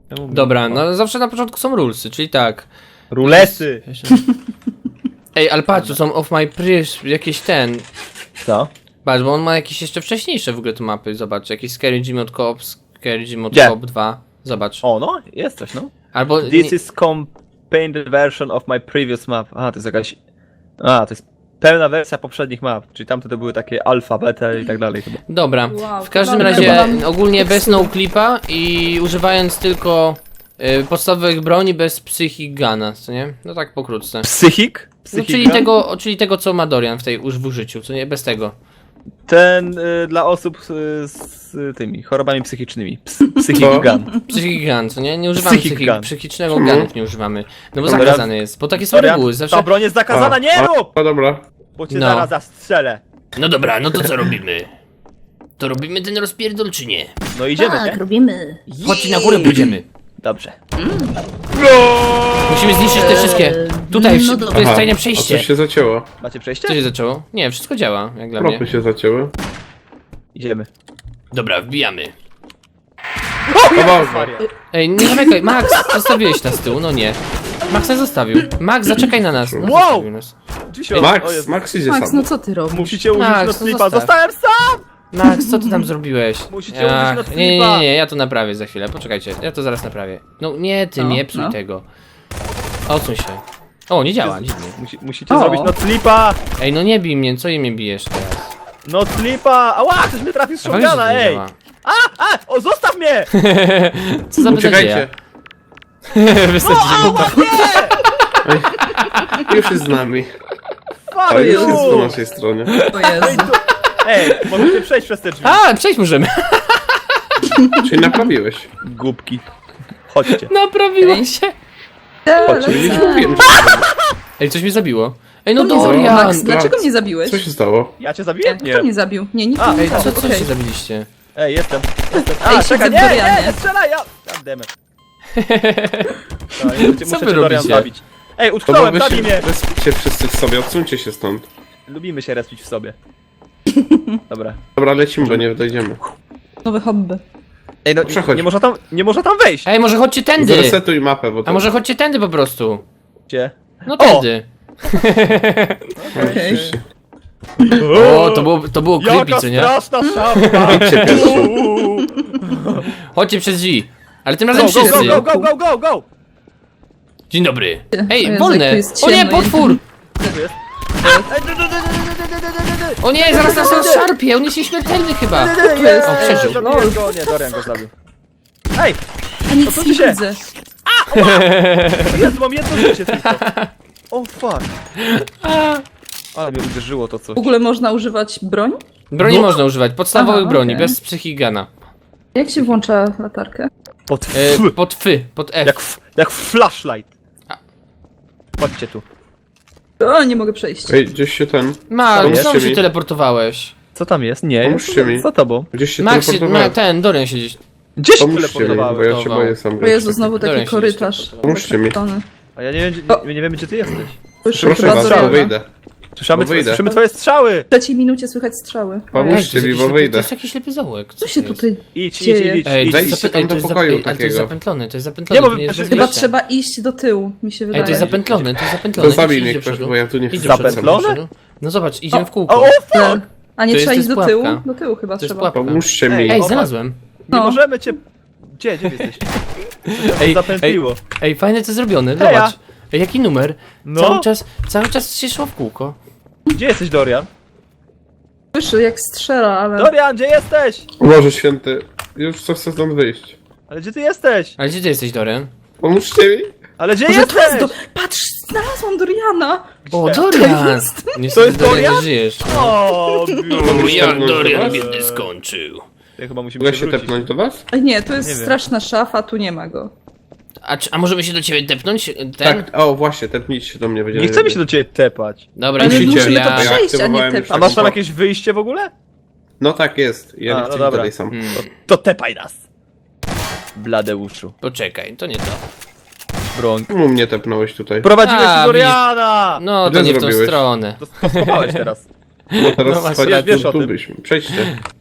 Dobra, no zawsze na początku są rulesy, czyli tak. Rulesy! Ej, ale patrz, tu są off my prish, jakieś ten. Co? Patrz, bo on ma jakieś jeszcze wcześniejsze w ogóle tu mapy, zobacz, jakieś Scary Jim od Coop, Scary Jim od Gdzie? Coop 2, zobacz. O, no, jest coś, no. Albo, This is compainted version of my previous map. A, to jest jakaś... A, to jest pełna wersja poprzednich map. Czyli tamte to były takie alfa, beta i tak dalej chyba. dobra, Wow, w każdym dobra, razie chyba ogólnie bez no-clipa i używając tylko podstawowych broni bez psychic guna, co nie? No tak pokrótce. Psychik? No, czyli tego co ma Dorian w użyciu, co nie? Bez tego. Ten dla osób z tymi chorobami psychicznymi. Psychic gun. Psychic gun, co nie? Nie używamy Psychic gun. psychicznego gunów, nie używamy. No bo Dobra. zakazane jest, bo takie są Dorian, reguły, zawsze... ta broń jest zakazana, nie rób! No dobra. Bo cię No. zaraz zastrzelę. No dobra, no to co robimy? To robimy ten rozpierdol czy nie? No idziemy, Tak, nie? robimy. Chodź na górę pójdziemy. Dobrze. Musimy zniszczyć te wszystkie. Tutaj, no to dobra. jest tajne A przejście. coś się zacięło. Macie przejście? Co się zaczęło? Nie, wszystko działa, jak dla mnie. Tropy się zacięły. Idziemy. Dobra, wbijamy. O Boże. Maria. Ej, nie zamykaj, Max, zostawiłeś nas z tyłu, no nie. Max nas zostawił. Max, zaczekaj na nas. No, Wow! zostawił nas. Dzisiaj- o Max, Jezu. Max idzie Max, sam. no co ty robisz? Musicie użyć Max, no noclipa. zostaw. Zostałem sam! Max, co ty tam zrobiłeś? Musicie użyć Ach, noclipa. nie, ja to naprawię za chwilę, poczekajcie, ja to zaraz naprawię. No nie, ty No, nie psuj no. tego. Odsuń się. O, nie działa, dziwnie. Musicie O. zrobić noclipa! Ej, no nie bij mnie, co mnie bijesz teraz? Noclipa! Ała, coś mnie trafił z A fajnie, że to shotguna, nie ej! działa. O, zostaw mnie! Co za Uciekajcie. Wystarczy, O, ała, nie! Już jest z nami. Fuck Ale już jest po you! naszej stronie. O Jezu. Ej, możecie przejść przez te drzwi. A, przejść możemy. Czyli naprawiłeś. Głupki. Chodźcie. Naprawiło się. Czyli Lecę. mówiłem, że... Ej, coś mnie zabiło. Ej, no Kto mnie zabił? Dorian! Max, dlaczego mnie zabiłeś? Co się stało? Ja cię zabiję? Kto Nie. mnie zabił? Nie, nikt A, mnie Ej, nie co zabił. się Okej. zabiliście? Ej, jestem. Ej, A, siedzę czekaj, w nie, Dorianie. nie, strzelaj, ja... Muszę wy Dorian robicie? zabić. Ej, To utknąłem, wy zabij się mnie! respicie wszyscy w sobie, odsuńcie się stąd. Lubimy się respić w sobie. Dobra. Dobra, lecimy, bo nie dojdziemy. Nowe hobby. Ej, no, Przechodź. nie można tam wejść. Ej, może chodźcie tędy! Zresetuj mapę, bo to... A może chodźcie tędy po prostu? Gdzie? No tędy. Okej. Oczywiście. O, to było creepy, Jaka co nie? straszna szafka! Idźcie pierwszy. Chodźcie przez drzwi. Ale tym Go, razem go, go, wszyscy. go, go, go, go, go! Dzień dobry. O Ej, Jezu, jak wolne! tu jest O nie, ciemno, potwór! Co tu jest? Ej, O nie, zaraz nas rozszarpie, on jest nieśmiertelny chyba. jest? O, przeżył. Zabiłem go, nie, Dorian go zabił. Ej, A nic Odsuńcie nie się. widzę. Jezu, mam jedno życie tylko. O fuck. Ale mnie uderzyło to coś. W ogóle można używać broń? Broni No. można używać, podstawowych Aha, broni, okej. bez psychigana. Jak się włącza latarkę? Pod Pod fy, pod F. jak flashlight. Chodźcie tu. O, nie mogę przejść. Ej, gdzieś się ten... Max, Pomóżcie znowu się mi. teleportowałeś. Co tam jest? Nie, Pomóżcie mi. za tobą. Gdzieś się Max, teleportowałem. ten, Dorian się gdzieś... Gdzie się Pomóżcie mi, bo teleportowałeś? ja się boję sam O grać. Jezu, znowu Dorian taki się korytarz. Pomóżcie mi. Zakręcony. A ja nie wiem, my nie wiemy gdzie ty jesteś. Słyszę Proszę chyba was, bo Doriana. wyjdę. Słyszymy wyjdę. twoje strzały! W trzeciej minucie słychać strzały. Pomóżcie mi, bo To wyjdę. jest jakiś ślepy zaułek. Co się to jest? tutaj Idź, dzieje? idź. Ej, Wejdźcie tam do pokoju ale to jest takiego. zapętlone, to jest zapętlone. Nie, bo to nie jest wy- bez Chyba wyjścia. trzeba iść do tyłu, mi się wydaje. Ej, to jest zapętlone, to jest zapętlone. To zabij Idź mnie do ktoś, przodu. bo ja tu nie Idź chcę. do przodu, Zapętlone? do przodu. No zobacz, idziemy w kółko. O, fuck! A nie To trzeba jest- iść to do jest tyłu? pułapka. Do tyłu chyba To jest trzeba. pułapka. Pomóżcie mi. Ej, Ej, o, znalazłem. Nie No. możemy cię... Gdzie jesteś? Ej, Zapętliło. Ej, fajne co zrobione, Heja. zobacz. Ej, jaki numer? No. Cały czas się szło w kółko. Gdzie jesteś, Dorian? Słyszę jak strzela, ale... Dorian, gdzie jesteś? Boże święty. Już chcę stąd wyjść. Ale gdzie ty jesteś? Ale gdzie ty jesteś, Dorian? Pomóżcie mi. Ale gdzie Może to jest jesteś? Patrz, znalazłam Doriana! O, Dorian! To jest Dorian? Nie żyjesz. O, jak Dorian biedny skończył. chyba musimy Mogę się wrócić. tepnąć do was? Ej, nie, to jest Nie wiem. straszna szafa, tu nie ma go. A możemy się do ciebie tepnąć? Ten? Tak, o właśnie, tepnijcie się do mnie, będzie Nie chcemy się do ciebie tepać. Dobra, Ale Musicie, musimy to ja przejść, a nie aktywowałem już tepać. A masz tam taką- jakieś wyjście w ogóle? No tak jest, ja A, nie no chcę iść dobra. dalej sam. To tepaj nas. Bladeuszu. Poczekaj, to nie to. Broń. Czemu mnie tepnąłeś tutaj? Prowadziłeś A, do Doriana! No, to Źle nie w tą zrobiłeś. stronę. To schowałeś teraz. Bo teraz no właśnie, spadać wiesz o tu tym. byśmy. Przejdźcie.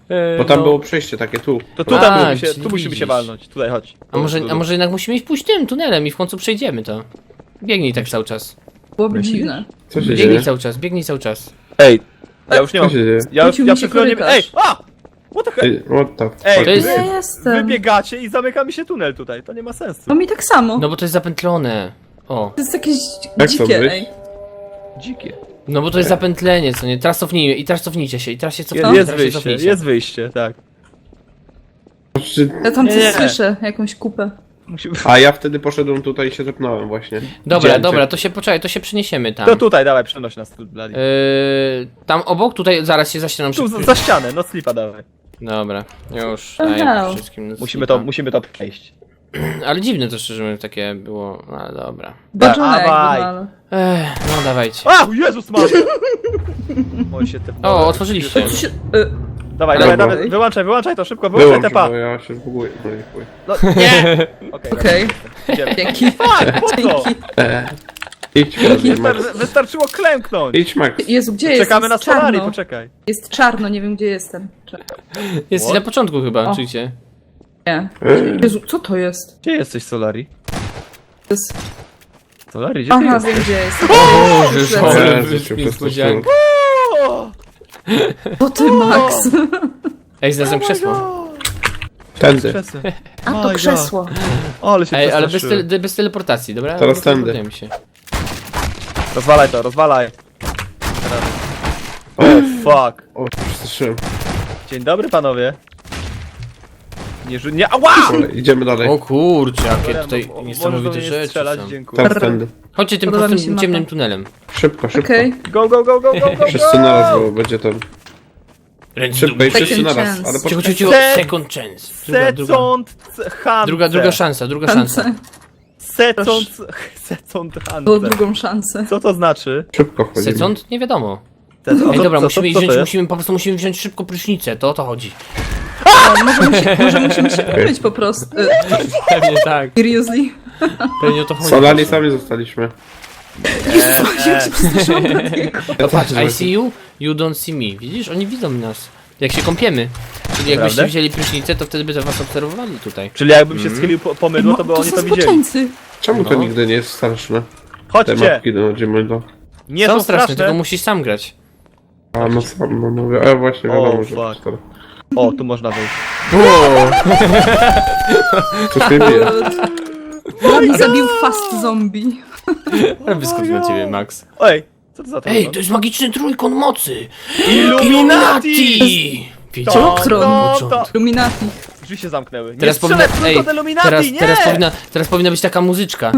Bo tam no. było przejście takie tu. To tutaj A, musimy się, czyli tu musimy widzisz. się walnąć. Tutaj, chodź. A może jednak musimy iść pójść tym tunelem i w końcu przejdziemy to. Biegnij tak cały czas. Byłoby Myślisz? dziwne. Co się Biegnij dzieje? cały czas, biegnij cały czas. Ej, ja już nie Co mam... się dzieje? Ja Wrócił mi się przed chwilą nie... Ej, korytarz. a! What the hell? Ej, what the Ej, fuck? To jest- Ja jestem. Wybiegacie i zamyka mi się tunel tutaj. To nie ma sensu. No mi tak samo. No bo to jest zapętlone. O. To jest jakieś Jak dzikie, to być? ej. Dzikie. No bo to jest zapętlenie, co nie? Teraz cofnijmy i teraz cofnijcie się i teraz się Jest, cofnijcie, jest teraz się wyjście, cofnijcie. jest wyjście, tak. Czy... Ja tam coś Nie. słyszę, jakąś kupę. Musimy... A ja wtedy poszedłem tutaj i się tepnąłem właśnie. Dobra, Widziałem dobra, cię. to się poczekaj, to się przeniesiemy tam. To tutaj, dawaj, przenoś nas tu, Blady. Tam obok, tutaj zaraz się za ścianą Tu, przy- za ścianę, no slipa dawaj. Dobra, już Oh daję no. wszystkim. Musimy to przejść. Ale dziwne to szczerze mówiąc takie było, no ale dobra. Baczone jakby, Dawaj. no, ale... No dawajcie. A! Jezus Maria! Oj się te... O, otworzyliście. To się... Dawaj, Ale- dawaj, dawaj, wyłączaj to szybko, wyłączaj Wyłącz, te pa! bo ja się zbuguję. No i chuj. No nie! Okej, Okej, idziemy. dzięki. Tak, po co? Dzięki. Idź, Max. Wystarczyło klęknąć! Idź, Max. Jezu, gdzie jest? Czekamy na Jest czarno. Solari, poczekaj. Jest czarno, nie wiem gdzie jestem. Jesteś What? na początku chyba, O. czyjcie. Nie. Ej, Jezu, co to jest? Gdzie jesteś, Solari? To jest... Solari, gdzie ty Aha, jesteś? wiem gdzie jestem. Boże, O, ale Jezu, cię niespodzianka. O! To ty, Max. Ej, znalazłem krzesło. Tędy. Krzesło. A My to God. krzesło. Ale się Ej, ale bez, przestraszyłem. bez teleportacji, dobra? Teraz Nie tędy. teleportujemy się. Rozwalaj to, rozwalaj. Teraz. O, fuck. O, przestraszyłem. Dzień dobry, panowie. Nie, ała! Dobra, idziemy dalej. O kurczę, jakie tutaj Możesz do niesamowite mnie rzeczy strzelać, są. dziękuję. Teraz tędy. Chodźcie tym Podoba mi się prostym, mapa. ciemnym tunelem. Szybko, szybko. Okej. Go, go, go, go, go, go, Wszyscy naraz, bo będzie ten. Ręce Szybko i do góry. wszyscy Second naraz. chance. Ale Cicho, poczekaj. cicho, cicho. Second chance. Druga szansa, druga szansa. Second Było Hunter. drugą szansę. Co to znaczy? Szybko wchodzimy. Second? Nie wiadomo. Second? Ej, dobra, Co musimy to wziąć, jest? po prostu musimy wziąć szybko prysznicę, to o to chodzi. O, może musimy się umyć po prostu. Pewnie tak. Seriously. Pewnie o to chodzi. Solani sami zostaliśmy. Ja się przestraszyłam Bladiego. Ja Patrz, też I see you, you don't see me. Widzisz? Oni widzą nas. Jak się kąpiemy. Czyli jakbyście Prawda? wzięli prysznicę, to wtedy by to was obserwowali tutaj. Czyli jakbym się schylił po mydło, to by To oni są to widzieli. zboczeńcy. Czemu to No. nigdy nie jest straszne? Te Chodźcie! mapki dochodzimy do... Nie Są są straszne, straszne. tylko musisz sam grać. A no sam, no mówię. A właśnie O, wiadomo, że... fuck. O, tu można wejść. Coś mnie bije. Bladi zabił fast zombie. Wyskoczył na ciebie, Max. Ej, co to za to? Ej, to jest magiczny trójkąt mocy! Illuminati! Wiecie? Tron. Illuminati. Drzwi się zamknęły. Nie Teraz strzelaj powinna, w ej, trójkąt Illuminati, nie! teraz powinna być taka muzyczka.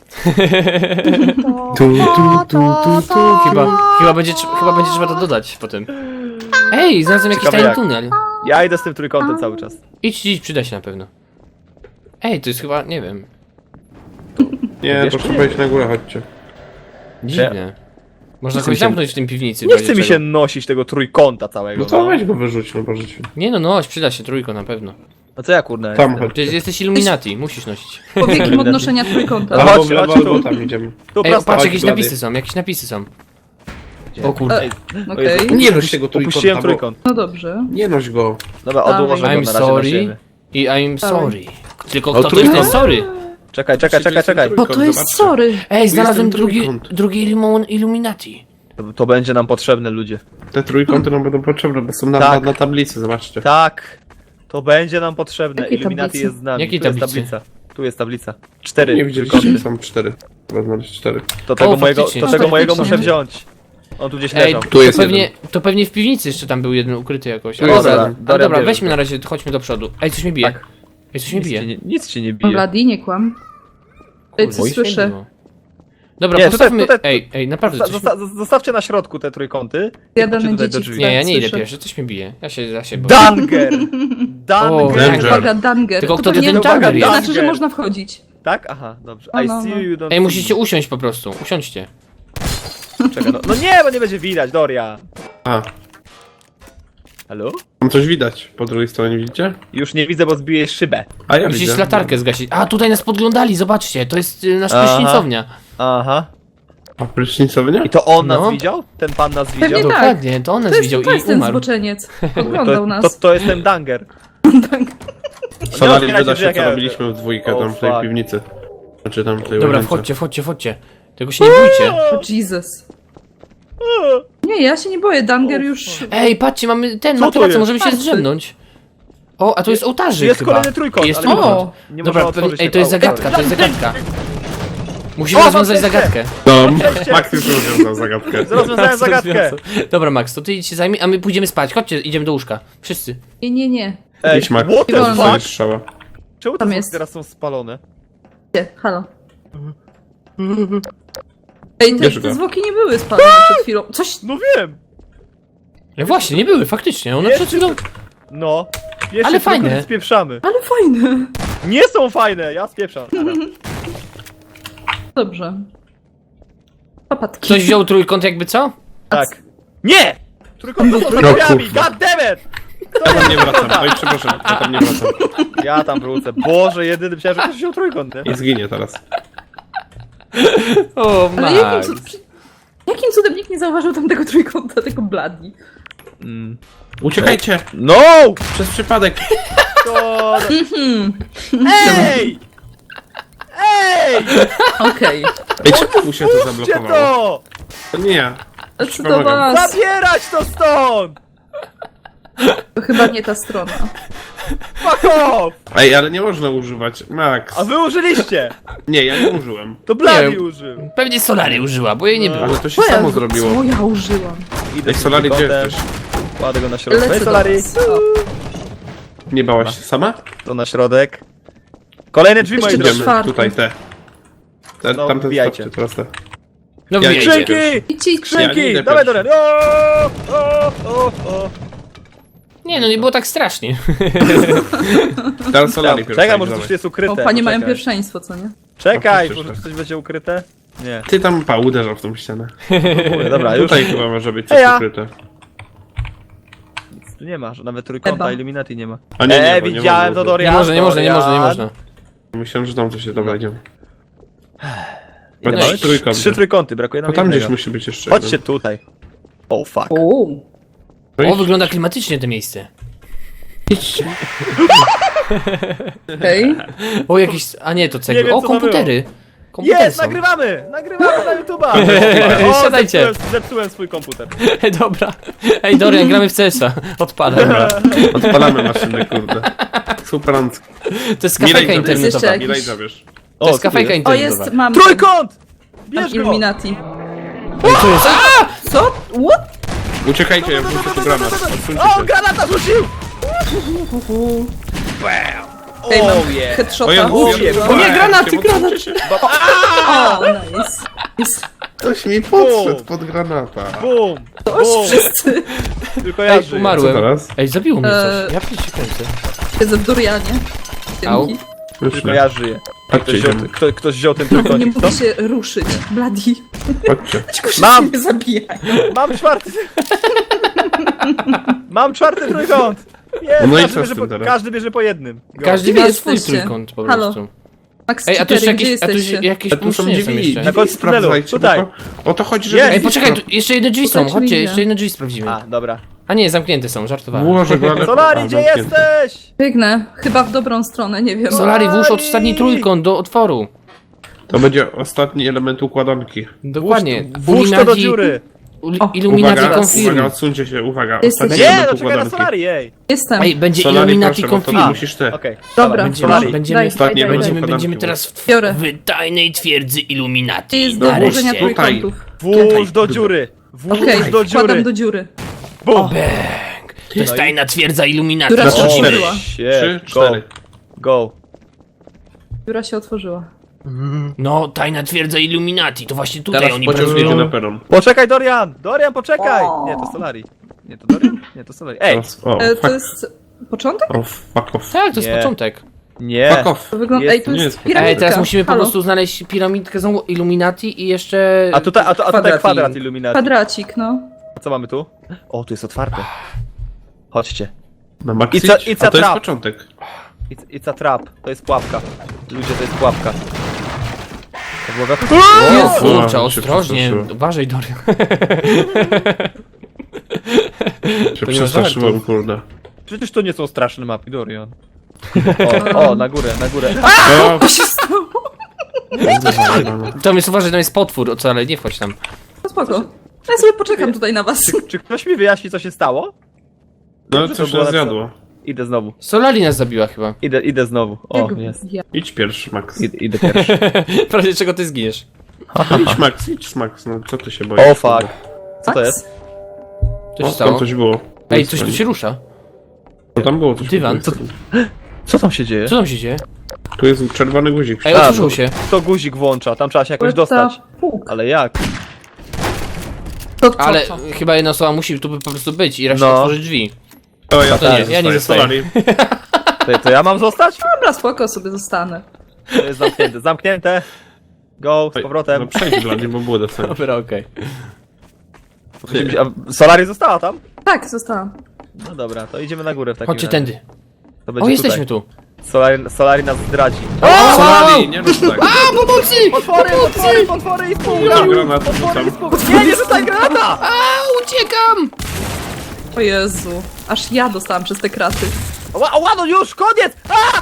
Tu. Chyba będzie trzeba to dodać potem. Ej, znalazłem jakiś Ciekawe tajny jak. tunel. Ja idę z tym trójkątem cały czas. Idź, przyda się na pewno. Ej, to jest chyba, nie wiem, Nie, Wiesz, to trzeba iść na górę, chodźcie. dziwne. Można chce mi kogoś się- zamknąć w tym piwnicy. w Nie razie chce mi się czego. nosić tego trójkąta całego. No to weź go wyrzuć, no Boże ci. Nie no, przyda się trójko na pewno. No co ja kurna Tam jestem? Przecież chodźcie. jesteś Illuminati, musisz nosić. Powiekiem odnoszenia trójkąta. Aha. Albo w chodźcie, lewo, chodźcie albo tu. tam idziemy. Tu Ej, prosto. patrz, chodź, jakieś Blady. napisy są, jakieś napisy są. O kurde. Ej, Okej. Nie noś tego opuściłem trójkąta, bo... trójkąt. No dobrze. Nie noś go. Dobra, Dawaj. odłożę go na I'm razie na sorry ziemię. i I'm sorry. Tylko O, kto to jest ten trójkąt? sorry? Czekaj. Bo to jest Zobaczcie. sorry. Ej, znalazłem ten trójkąt. drugi Illuminati. To będzie nam potrzebne, ludzie. Te trójkąty nam będą potrzebne, bo są Tak. na tablicy, zobaczcie. Tak. To będzie nam potrzebne. Jakiej Illuminati tablicy? jest z nami. Jakiej Tu jest tablicy? tablica. Tu jest tablica. 4 Nie widzieliście, trójkąty. są 4. Trzeba znaleźć 4. To tego faktycznie. to No, tego mojego faktycznie. muszę wziąć. On tu gdzieś Ej, leżał. Tu jest to pewnie w piwnicy jeszcze tam był jeden ukryty jakoś. Tu Ale jest dobra, jeden. ale Dorian dobra, bierze. weźmy na razie, chodźmy do przodu. Ej, coś mnie bije. Tak. Ej, coś mnie bije. Nic cię nie bije. Bladi, nie kłam. Ej, Kurde, co coś mnie słyszę? było. Dobra, Nie, postawmy... tutaj- Ej, naprawdę coś... Zostawcie na środku te trójkąty. Jadane Chodźcie tutaj do dzieci drzwi. Nie, ja nie idę Słyszę. pierwszy, coś mnie bije. Ja się boję. Danger! O, Danger! Danger. Uwaga, Danger. Tylko To kto pewnie ten Danger jest? znaczy, że można wchodzić. Tak? Aha, dobrze. No, I no, see no. you, don't Ej, see musicie usiąść po prostu, usiądźcie. me. Czekaj, no nie, bo nie będzie widać, Doria. A, Halo? tam coś widać po drugiej stronie, widzicie? Już nie widzę, bo zbiję szybę. A ja Musisz widzę. latarkę zgasić. A, tutaj nas podglądali, zobaczcie, to jest nasza Aha. prysznicownia. Aha. A prysznicowy nie? I to on nas No. widział? Ten pan nas Pewnie widział? tak. Dokładnie, to on nas To widział jest, to jest i ten umarł. zboczeniec. Oglądał nas. To jest ten Danger. Solari otwierajcie wyda drzwi, się, jak co ja- robiliśmy w dwójkę O, tam w tej fuck. piwnicy. Znaczy tam w tej Dobra, łazience. wchodźcie. Tego się nie bójcie. O Jesus. Nie, ja się nie boję, Danger już... Ej, patrzcie, mamy ten Co to materac, jest? możemy się Patrzcie. zdrzemnąć. O, a to jest ołtarzyk Jest chyba. kolejny trójkąt, Jest ale trójkąt. O! Nie Dobra, można otworzyć ej, to jest tego. zagadka, to jest zagadka. Musimy O, rozwiązać mam zagadkę. No, Cześć. Max już rozwiązał zagadkę. Rozwiązałem zagadkę. Dobra, Max, to ty idź się zajmij, a my pójdziemy spać. Chodźcie, idziemy do łóżka. Wszyscy. Nie. Ej, Idź, Max. what the Wolno. Dostaniesz fuck? strzała. Czemu Tam te jest. teraz są spalone? Gdzie? Halo. Ej, Bierz go. te zwłoki nie były spalone przed chwilą. Coś... No wiem! Ja właśnie, nie były, faktycznie. One Jest. przed chwilą... No. Jeszcze Ale tylko fajne. spieprzamy. Ale fajne. Nie są fajne, ja spieprzam. Dobrze. Papatki. Ktoś wziął trójkąt jakby co? Tak. Nie! Trójkąt to są No, drzwiami, kurwa. god damn it! Ja tam nie wracam. Oj, przepraszam, ja tam nie wracam. Ja tam wrócę. Boże, jedyny myślałem, że ktoś wziął trójkąt, nie? I zginie teraz. O, Ale Max. jakim cudem nikt nie zauważył tamtego trójkąta, tego Bloody? Uciekajcie! No! Przez przypadek! To... Ej! Ej! Okej. Ej, czemu się to Gdzie zablokowało? to? To nie ja. Ale co do Pomagam. was? Zabierać to stąd! To chyba nie ta strona. Fuck off! Ej, ale nie można używać. Max. A wy użyliście! Nie, ja nie użyłem. To Bloody Nie. użył. Pewnie Solary użyła, bo jej nie było. Ale to się samo zrobiło. Co ja użyłam? Ej, Solari, gdzie trójkątem. jesteś? Kładę go na środek. Lecę Hej, do Solari. was. O, Nie bałaś się sama? To na środek. Kolejne drzwi, moi Jeszcze drodzy. Idziemy, czwarty. tutaj te. No, Tamte wbijajcie. stopcie, teraz te. No Ja wiecie. idę. Skrzynki! Idźcie, Ja nie Skrzynki! idę Dawaj, pierwszy. Dorian! O! Nie, no nie było tak strasznie. Teraz Solari pierwszy. Czekaj, może coś tu jest ukryte. O, panie mają Poczekaj. pierwszeństwo, co nie? Czekaj, No, może coś będzie ukryte? Nie. Ty tam uderzał w tą ścianę. Mówię, dobra, już. Tutaj chyba może być coś Eja. ukryte. Tu nie ma, że nawet trójkąta Chyba. Illuminati nie ma. A nie, nie, bo nie widziałem można to, ukryć. Nie Dorian. można, nie można. Myślałem, że tam coś jest. Dobra, idziemy. Ile No mamy? i trójkąty. 3 trójkąty, brakuje nam Bo tam jednego. gdzieś musi być jeszcze Chodźcie jeden. tutaj. Oh fuck. O, No O, i- wygląda klimatycznie to miejsce. okej. O, jakieś... A nie, to Nie cegły. wiem, O, co to komputery. Komputery Jest, są. nagrywamy! Nagrywamy na YouTube'a! O, Siadajcie. zepsułem swój komputer. Dobra. Ej, Dorian, gramy w CS-a. Odpalaj. Dobra, odpalamy maszyny, kurde. Super. To jest Milej kafejka zabierz. internetowa. Jeszcze- Milej zabierz. To jest co tu kafejka jest? O, internetowa. jest, mam. Trójkąt! Mam Bierz go! Illuminati. Ej, co jest? A! Co? What? Uciekajcie, ja wrzucę tu granat. Odsuńcie O, się. granata rzucił! Ej, mam Oh yeah. headshota. O, ja mówię, O, O nie, granaty, odsuńcie granat. się. O, nice. Jest. Ktoś mi podszedł pod granata. Bum! Toż Bum! wszyscy Tylko ja Ej, żyję. umarłem. Co teraz? Ej, zabiło mnie Eee. coś. Ja przecież kręcę. siedzę w durianie. Au. Dzięki. Tylko Wyszły. ja żyję. Chodźcie, Ktoś wziął, idziemy. ktoś wziął ten Nie trójkącik, co? mogę się ruszyć. Bloody. Chodźcie. Mam! mnie zabijają. Mam czwarty! Mam czwarty trójkąt! Jest, No i każdy, co z bierze tym po, teraz? każdy bierze po jednym. Go. Każdy Gdzie ma wy swój jesteście? trójkąt po Halo. prostu. Max Ej, a tu jeszcze Citery, gdzie jakieś jesteście? A tu są pomieszczenia drzwi. jeszcze. Na końcu tunelu, Sprawdzajcie, tutaj. bo o to chodzi, że... Jest. Ej, poczekaj, tu jeszcze jedne drzwi są. Szukajcie Chodźcie, mnie. jeszcze jedne drzwi sprawdzimy. A, dobra. A nie, zamknięte są, żartowałem. Włożę go, ale... Solari, A, gdzie zamknięte. jesteś? Biegnę. Chyba w dobrą stronę, nie wiem. Solari, włóż ostatni trójkąt do otworu. To będzie ostatni element układanki. Dokładnie. Włóż to do dziury. O. Illuminati Uwaga, confirm. uwaga, odsuńcie się, uwaga. Jesteś- Ostatni Nie, element no czekaj na układanki. Solari, ej. Jestem. Ej, będzie Solari, Illuminati proszę, bo to confirm. musisz ty. Okej. Dobra, Będziemy, Solari. będziemy, Daj, Ostatni daj, daj, element daj. będziemy, układanki. będziemy teraz w, Biorę. w tajnej twierdzy Illuminati. Jest do Nareszcie. włożenia Tutaj. trójkątów. Włóż do dziury. Włóż Okej, do wkładam dziury. do dziury. Bum. Bang. To jest tajna twierdza Illuminati. Która się Wchodzimy. otworzyła. Trzy, Go. cztery. Go. Dziura się otworzyła. No, tajna twierdza Illuminati. To właśnie tutaj Teraz oni pociąg jedzie pracują. na peron. Poczekaj, Dorian! Dorian, poczekaj! O. Nie, to Solari. Nie, to Dorian? Nie, to Solari. Ej! Teraz, o, To fuck, jest początek? fuck off. Tak, to jest Nie. początek. Nie. Fuck off. To wygląda... Jest- Ej, tu nie jest jest- piramidka. Ej, teraz musimy po Halo. prostu znaleźć piramidkę znowu Illuminati i jeszcze... A tutaj Kwadrat kwadrat i- Illuminati. Kwadracik, no. A co mamy tu? O, tu jest otwarte. Chodźcie. Na Maxi? It's a A to jest trap. początek. It's a trap. To jest pułapka. Ludzie, to jest pułapka. To było we... O, O, kurczę, się ostrożnie. przestraszyłem. Uważaj, Dorian. Się To nie ma przestraszyłem, żartów. kurde. Przecież to nie są straszne mapy, Dorian. O, na górę, na górę. O, Co się stało? Tam jest, uważaj, tam jest potwór, o co, ale nie wchodź tam. No spoko. Ja sobie poczekam tutaj na was. Czy ktoś mi wyjaśni, co się stało? no Dobrze, coś to było nas zjadło. Idę znowu. Solali nas zabiła chyba. Idę znowu. O, Jego- jest. Ja. Idź pierwszy, Max. Idę pierwszy. W razie czego ty zginiesz. Idź, Max, no co ty się boisz? O, fuck. Co to jest? Co się O, stało? tam coś było. Ej, coś tu się rusza. No tam było coś. Dywan. Co? Co tam się dzieje? Co tam się dzieje? Tu jest czerwony guzik. Ej, A, otworzył no. się. To guzik włącza, tam trzeba się jakoś dostać. Puk. Ale jak? To co, Ale co? chyba jedna osoba musi tu po prostu być i raz No. otworzyć drzwi. O, ja to nie, ja nie zostaję. To ja mam zostać? Dobra, spoko, sobie zostanę. To jest zamknięte. Zamknięte. Go, z powrotem. No przejdź dla nie, bo było dostać. Dobra, okej. A Solari została tam? Tak, zostałam. No dobra, to idziemy na górę w takim Chodźcie razie. tędy. To będzie O, jesteśmy tutaj. tu. Solari nas zdradzi. Solari, nie rób tak. Pomocy! Potwory i Rzucam granat, rzucam. Nie rzucaj granata! A, uciekam! O Jezu. Aż ja dostałam przez te kraty. Ła, no już, koniec!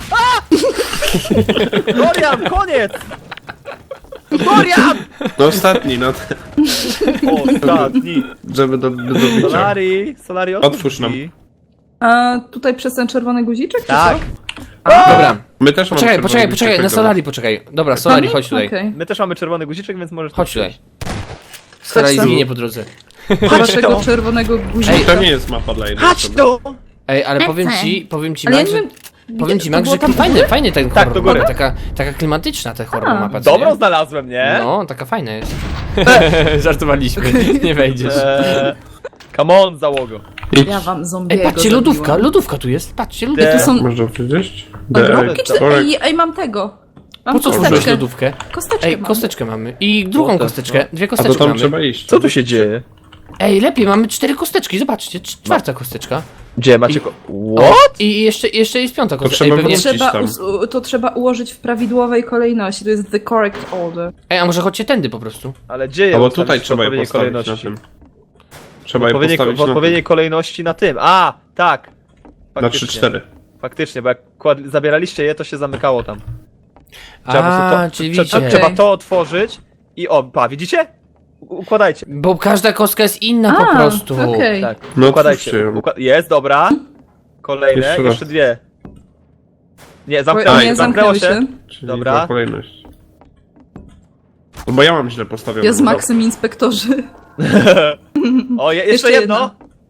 Dorian, koniec! Dorian! No ostatni, no. Ostatni. Żeby do bicia. Solari, Otwórz nam. drzwi. A tutaj przez ten czerwony guziczek, czy Tak. co? Dobra, My też mamy poczekaj, czerwony guzik, na dobra. Solari poczekaj. Dobra, Solari, chodź tutaj. Okej. My też mamy czerwony guziczek, więc możesz... Chodź tutaj. Solari tam. zginie po drodze. Waszego czerwonego guzika. To nie jest mapa dla jednej Chodź osoby. tu! Ej, ale powiem ci, Ale ja Max, nie że... wiem... Powiem ci, to Max, było że tam fajny ten Tak, horror do góry. mapa, taka klimatyczna ta horror A. mapa, co Dobrą nie? znalazłem, nie? No, taka fajna jest. Żartowaliśmy, nie wejdziesz. Come on, załogo. Idź. Ja wam zombiego Ej, patrzcie, zabiłam. lodówka tu jest, patrzcie, lodówka. De- To są Można przejść? ogromki, czy... Korek. Ej, mam tego. Mam Po co użyłeś kosteczkę. lodówkę? Kosteczkę Ej, mam. kosteczkę mamy. I drugą Złote, kosteczkę, dwie A to kosteczki tam mamy. trzeba iść. Co tu się dzieje? Ej, lepiej, mamy 4 kosteczki, zobaczcie, czwarta kosteczka. Gdzie macie What? I jeszcze jest piąta kosteczka. trzeba Ej, pewnie... wrócić. Trzeba, tam. to trzeba ułożyć w prawidłowej kolejności. To jest the correct order. Ej, a może chodźcie tędy po prostu? Ale gdzie je Albo ustawić tutaj w trzeba je odpowiedniej postawić na kolejności? tym. Trzeba je postawić W na tym. odpowiedniej kolejności na tym. A, tak. Na Faktycznie. 3-4. Faktycznie, bo jak zabieraliście je, to się zamykało tam. A, czyli widzicie. Trzeba to otworzyć i widzicie? Układajcie. Bo każda kostka jest inna po prostu. Okej. Tak, No układajcie. otwórzcie ją. Jest, dobra. Kolejne, Jeszcze raz. jeszcze dwie. Nie, Bo zamknęło nie się, zamknęło zamknęły się. się. Czyli Dobra. była kolejność. No bo ja mam źle postawione. Ja z Maxem inspektorzy. O, jeszcze Jeszcze jedno.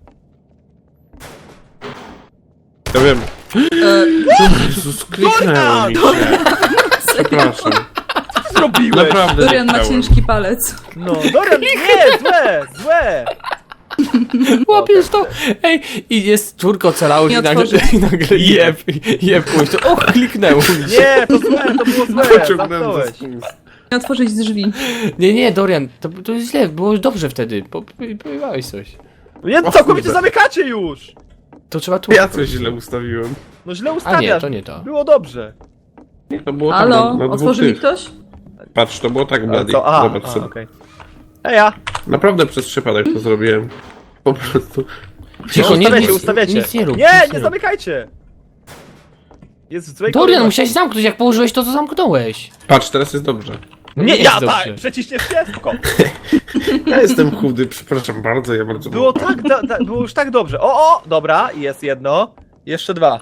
Ja wiem. E, Jezus, kliknęło mi się. Przepraszam. Co zrobiłeś? Naprawdę Dorian ma nie chciałem. ciężki palec. No, Dorian, nie, złe. Łapiesz to? Ej, i jest czwórko ocalało Nie i nagle, otworzy. i nagle jebłeś to. Och, kliknęło mi się. Nie, to złe, to było złe. Pociągnąłem za Zamknąłeś. spust. Nie otworzyć drzwi. Nie, Dorian, to jest źle, było dobrze wtedy. Powiedziałeś coś. Nie, całkowicie zamykacie już. To trzeba tu. Ja coś źle ustawiłem. No źle A nie, ustawiasz. to nie to. Było dobrze. To było tam Halo? na dwóch Otworzy mi tych. ktoś? Patrz, to było tak, Bloody. Co? Zobacz sobie. okej. Heja. Naprawdę przez przypadek to zrobiłem. Po prostu. Cicho, nie, Ustawiacie. nic nie rób. Nie, nic nie rób. zamykajcie. Jest w złej Dorian, kolejności. musiałeś zamknąć, jak położyłeś to zamknąłeś. Patrz, teraz jest dobrze. Nie, jest ja dobrze. tak, przeciśniesz się, spoko. Ja jestem chudy, przepraszam bardzo, ja bardzo... Było tak, było już tak dobrze. O, dobra, jest jedno. Jeszcze dwa.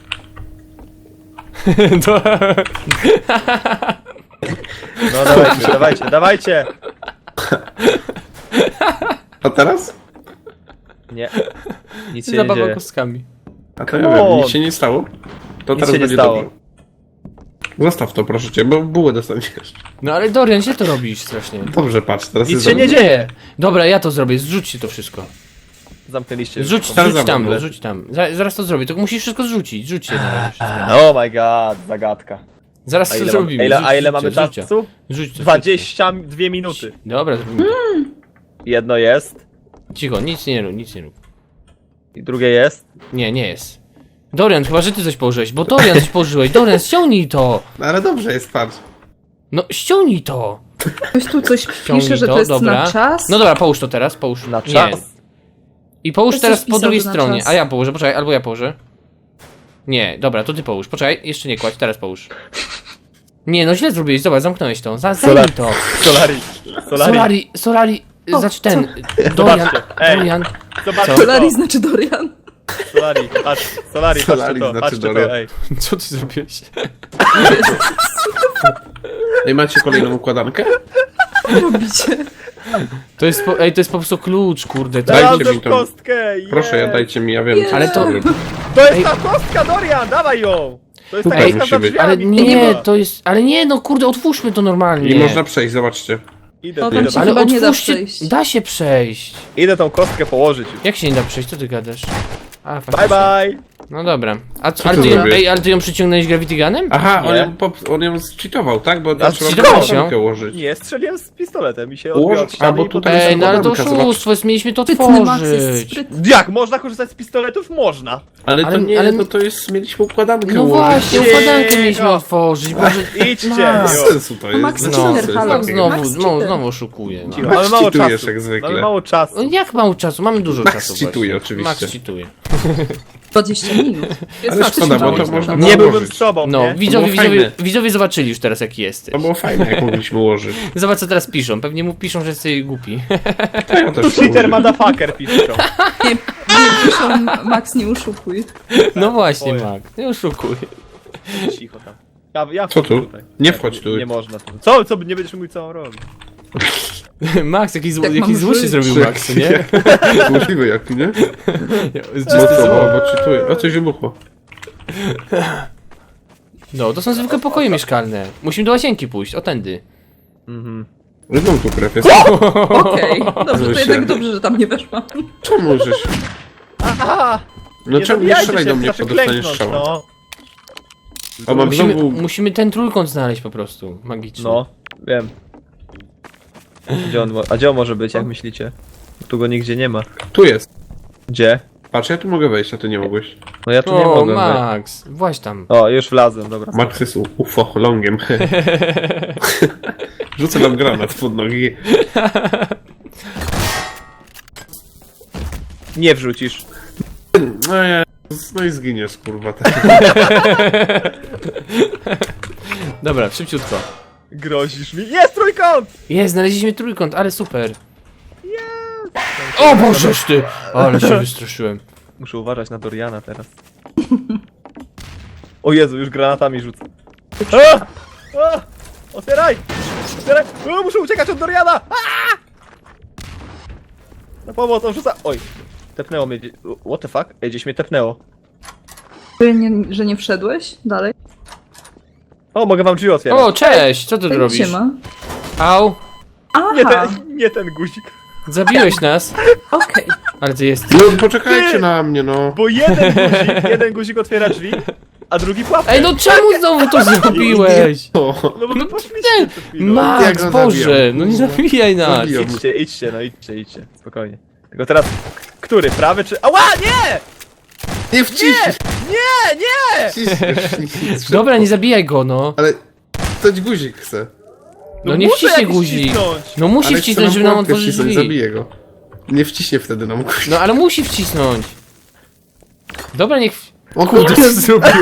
To... No dawajcie. A teraz? Nie. Nic się nie Zabawa dzieje. kostkami. A to ja Come wiem, on. nic się nie stało? To Nic teraz się nie będzie stało. dobrze. Zostaw to, proszę cię, bo bułę dostaniesz. No ale Dorian, źle to robisz strasznie. Dobrze, patrz, teraz Nic jest się nie dobrze. dzieje. Dobra, ja to zrobię, zrzućcie to wszystko. Zamknęliście. Zrzuć Teraz tam, zamknę. rzuć tam. Zaraz to zrobię, tylko musisz wszystko zrzucić. Rzućcie na razie wszystko. Oh my god, zagadka. Zaraz A to ile, zrobimy. a ile mamy Rzućcie. czasu? Rzuć to. 22 minuty. Dobra, zrobimy to. Jedno jest. Cicho, nic nie rób, nic nie rób. I drugie jest. Nie jest. Dorian, chyba że ty coś położyłeś, bo Dorian coś położyłeś. Dorian, ściągnij to! No ale dobrze jest, patrz. No ściągnij to! Ktoś tu coś Ściągnij pisze, że to jest dobra. na czas. No dobra, połóż to teraz, połóż. Na Nie. czas? I połóż Ktoś teraz coś po pisał, drugiej że na stronie. czas. A ja położę, poczekaj, albo ja położę. Nie, dobra, to ty połóż. Poczekaj, jeszcze nie kładź, teraz połóż. Nie, no źle zrobiłeś, zobacz, zamknąłeś to. Zajmij to. Solari, O, znaczy ten. Dorian, Ej. Dorian. Zobaczcie Solari to. znaczy Dorian. Solari, patrz, Solari, patrzcie Solari to, znaczy patrzcie Dorian. to, ej. Co ty zrobiłeś? Ej, macie kolejną układankę? Robicie. To jest po, ej, to jest po prostu klucz, kurde. To Dajcie Znalazłem mi to. kostkę, Proszę, jest. dajcie mi, ja wiem Nie. co Ale to- zrobię. To jest Ej. ta kostka, Dorian, dawaj ją! To jest ta Ej, kostka za musi być. ale drzwiami. nie, kurwa. to jest. Ale nie, no kurde, otwórzmy to normalnie. I można przejść, zobaczcie. Idę, No, idę, tam się Ale chyba nie da otwórzcie. przejść. Da się przejść. idę tą kostkę położyć już. Jak się nie da przejść? Co ty gadasz? A, Bye faktycznie. bye! No dobra. A Co ale ty ty, ją, zrobiłeś? ej, ale ty ją przyciągnąłeś Gravity Gunem? Aha, Nie. on ją zcheatował, tak? Bo A tam trzeba zcheatowałeś ją? układankę ułożyć. Nie, strzeliłem z pistoletem i się Ułoż- odbił od ściany a, bo i tutaj potem- Ej, no ale to układanka, zobacz. oszustwo, jest, mieliśmy to Sprytny Max jest tworzyć. sprytny. Jak? Można korzystać z pistoletów? Można. Ale to Ale- nie, ale- no to jest, mieliśmy układankę No ułożyć. właśnie, Cicho. układankę mieliśmy otworzyć, Boże. Idźcie! Max. jo. Bez sensu to jest. Max bez cheater, sensu jest halo. takie. Znowu, Max znowu, cheater. znowu oszukuje. No. Cicho, Max mamy mało cheatujesz czasu. jak zwykle. Mamy mało czasu. No jak mało czasu? Mamy dużo Max czasu. cheatuje właśnie. oczywiście. Max cheatuje. 20 minut. Jest Ale faktycznie szkoda, bo mało to czasu. można Nie było byłbym ułożyć. z sobą, No, nie? widzowie, fajne. widzowie zobaczyli już teraz jaki jesteś. To było fajne, jak mogliśmy ułożyć. Zobacz co teraz piszą. Pewnie mu piszą, że jesteś głupi. To ja też Cheater ułożę. motherfucker piszą. Nie piszą, Max, nie oszukuj. No właśnie, Oj. Max. Nie oszukuj. Cicho tam. Ja Co wchodzę tu? tutaj. Nie wchodź tu. Nie można tu. Co? Co? Nie będziesz mówił co on robi. Max, jakiś Jak mam złoś się żyć? zrobił Max, nie? Możliwe jak, nie? Czysty No co, zło. bo czytuję. O, coś wybuchło. No, to są zwykłe pokoje mieszkalne. Musimy do łazienki pójść, o tędy. Znowu tu krew jest. Okej, dobrze, to Się. jednak dobrze, że tam nie weszłam. Czemu żeś? Aha! No czemu nie zabijajcie strzelaj się, do mnie, wystarczy bo dostaniesz klęknąć, strzała. no. O, mam Musimy, znowu... musimy ten trójkąt znaleźć po prostu, magiczny. No, wiem. A gdzie on może być, jak myślicie? Tu go nigdzie nie ma. Tu jest. Gdzie? Patrz, ja tu mogę wejść, a ty nie mogłeś. No ja tu nie O, mogłem. Max, właź tam. O, już wlazłem, dobra. Max jest UFO, longiem. Rzucę nam granat pod nogi. Nie wrzucisz. No i zginiesz, kurwa. Dobra, szybciutko. Grozisz mi. Jest trójkąt! Jest, znaleźliśmy trójkąt, ale super. O Bożeż ty! Ale się wystraszyłem. Muszę uważać na Doriana teraz. O Jezu, już granatami rzucę. A! A! Otwieraj! Otwieraj! O, muszę uciekać od Doriana! A! Na pomoc, on rzuca... Oj! Tepnęło mnie... What the fuck? Ej, gdzieś mnie tepnęło. Że nie wszedłeś dalej? O, mogę wam drzwi otwierać. O, cześć! Co ty tu robisz? Siema. Au! Nie Aha, nie ten guzik. Zabiłeś nas! okej. Ale ty jesteś... No poczekajcie na mnie, no. Bo jeden guzik otwiera drzwi, a drugi pułapkę. Ej, no czemu znowu to zrobiłeś? O, No bo to poszliście przed chwilą. Max, Jak go Boże! zabijam? No nie zabijaj nas! Zabijam. Idźcie, no idźcie. Spokojnie. Tylko teraz... Który? Prawy czy... Ała, nie! nie wciśnij! Nie! Wciśnij. Dobra, nie zabijaj go, no. Ale ktoś guzik chce. No nie muszę wciśnie jakiś guzik. wcisnąć. No musi Ale wcisnąć, chce żeby nam pułapkę otworzyć wcisnąć, drzwi. Zabiję go. Nie wciśnie wtedy nam guzik. No ale musi wcisnąć. Dobra, niech... O kurde, co zrobiłeś?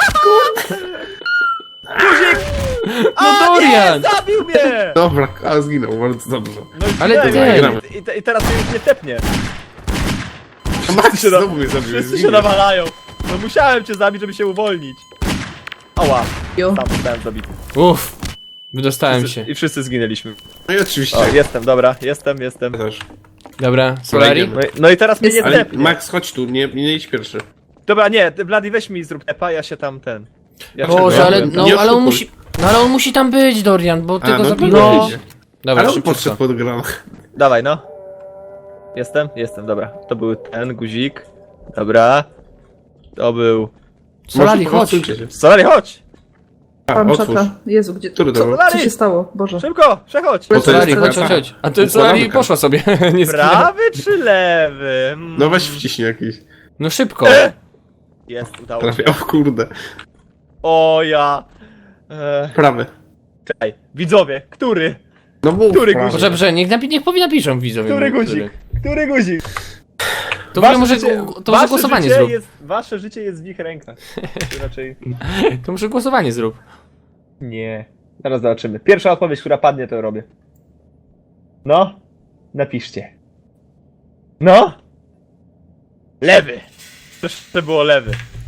No Dorian! Nie, zabił mnie! Dobra, a zginął, bardzo dobrze. No i Ale zginąłem. ten- I teraz mnie już nie tepnie. A Max się da- znowu mnie zabił. Wszyscy się nawalają. No musiałem cię zabić, żeby się uwolnić. Ała, Jo. tam zostałem zabity. Uff, wydostałem się. I wszyscy zginęliśmy. No i oczywiście. O, jestem, dobra, jestem. Też. Dobra, Solari? No i teraz mnie nie Jest- Ale tepnie. Max, chodź tu, nie idź pierwszy. Dobra, nie, ty, Vladi, weź mi zrób tepa, ja się tam ten... Ja się Boże, tam- ale, Nie no, ale on oszukuj. musi... No ale on musi tam być, Dorian, bo ty A, go no to zabiłeś. będzie. Dobra, Ale on szybciutko. podszedł pod granat. Dawaj, no. Jestem, dobra. To był ten guzik. Dobra. To był... Solari, Może chodź. odsuńcie się. Solari, chodź! A, Mam otwórz. czata. Jezu, gdzie... Który to Co, był? co się stało? Boże. Szybko, przechodź! to Solari, jest chodź, taka chodź, chodź. A ty Solari układanka. poszła sobie. Nie zginęła. Prawy czy lewy? No weź wciśnij jakiś. No szybko. Jest, udało się. Trafię. O kurde. O ja... Prawy. Czekaj, widzowie, który? No mów, Który prawy. guzik? Dobrze, niech napiszą widzowie. Który mój, guzik? Który guzik? To w ogóle może, to może wasze głosowanie życie zrób. Wasze życie jest w ich rękach. Czy raczej... To może głosowanie zrób. Nie. Zaraz zobaczymy. Pierwsza odpowiedź, która padnie, to robię. No. Napiszcie. No. Lewy. To było lewy.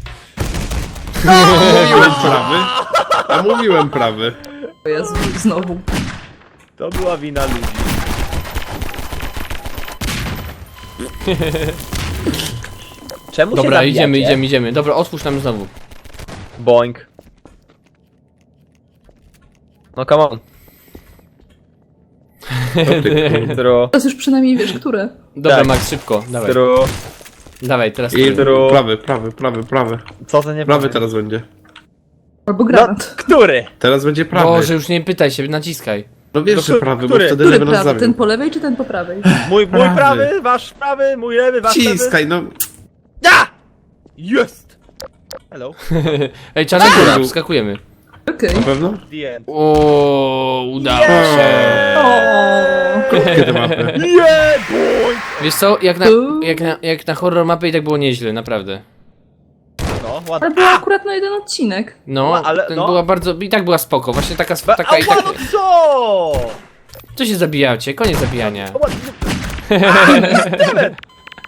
Mówiłem prawy. A mówiłem prawy. O Jezu, znowu. To była wina ludzi. Czemu Dobra, się zabijacie? idziemy. Dobra, otwórz nam znowu. Boink. No come on. Intro. Teraz już przynajmniej wiesz, które. Dobra, Tak. Max, szybko. Dawaj, Intro. dawaj teraz. I Intro. prawy. Co to nie Prawy powiem? teraz będzie. Albo No, granat. który? Teraz będzie prawy. Boże, już nie pytaj się, naciskaj. No wiesz, No, że prawy, bo który? wtedy Który lewy nas prawy? zabił. Ten po lewej czy ten po prawej? Mój Prawy. prawy, wasz prawy, mój lewy, wasz lewy. Ciskaj, no. Ja! Jest! Hello. Ej, czarna góra, wskakujemy. Okej. Na pewno? The end. O, udało się. O. Krótkie te mapy. Yeah, boy! Wiesz co, jak na horror mapy i tak było nieźle, naprawdę. No, Ale ładnie. było akurat na jeden odcinek. No, No, ale ten no. była bardzo, i tak była spoko, właśnie taka, taka i Ała, tak. no co? Co się zabijacie? Koniec zabijania. Ała, Dammit!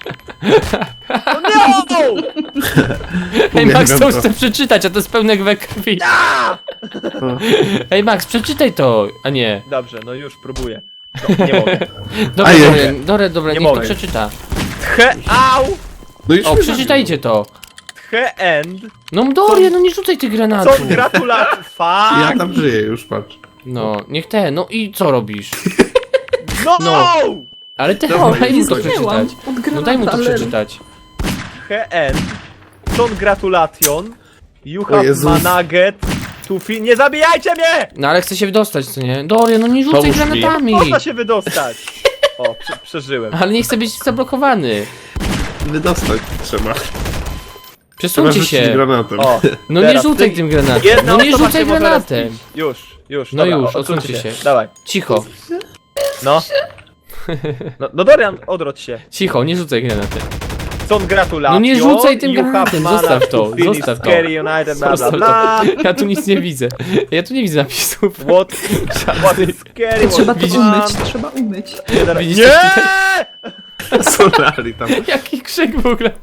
No! Ej, Max, to Uwielbiam chcę przeczytać, a to jest pełne we krwi. Ej, Max, przeczytaj to, a nie. Dobrze, no już próbuję. No, nie mogę. Dobra, A, dobra, Nie niech to mogę. przeczyta. Au! No już O, mnie przeczytajcie to. The end. No Dorian, no nie rzucaj tych Co granatów. gratulacje. zabił. Ja Fuck! tam żyję już, patrz. No, niech te, no i co robisz? No! No. Ale te, Dobra, daj Nie mu to zginęłam przeczytać. od No granata, daj mu to ale- przeczytać. The end. Congratulation. You O have Jezus. managet to Nie zabijajcie mnie! No ale chcę się wydostać, co nie? Dorian, no nie rzucaj Pomóż mi. granatami. Można się wydostać. O, przeżyłem. Ale nie chcę być zablokowany. Wydostać trzeba. Trzeba Przesuńcie rzucić się. granatem. O, No nie teraz rzucaj ty- tym granatem. Jedna No nie osoba rzucaj się może granatem. rozbić. Już. No dobra, już, odsuńcie się. Dawaj. Cicho, No. No Dorian, odwróć się. cicho, nie rzucaj granatem. Są gratulacje. No nie rzucaj tym You have granatem, managed zostaw to, to finish zostaw to. Scary United, bla bla Zostaw bla. to. Ja tu nic nie widzę. Ja tu nie widzę napisów. What is scary? Trzeba what to is umyć, fun? trzeba umyć. Widzisz, Nie! Solari tam. Jaki krzyk w ogóle.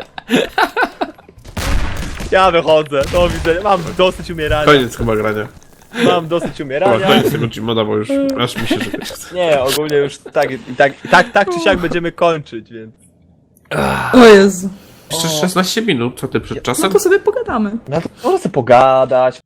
Ja wychodzę, do widzenia. Mam dosyć umierania. Koniec chyba grania. Mam dosyć Chyba umierania. koniec tego Gmoda, bo już aż mi się żyć chce. Nie, ogólnie już tak czy siak będziemy kończyć, więc. O Jezu. Jeszcze 16 minut, co ty przed No czasem? to sobie pogadamy. No to można sobie pogadać.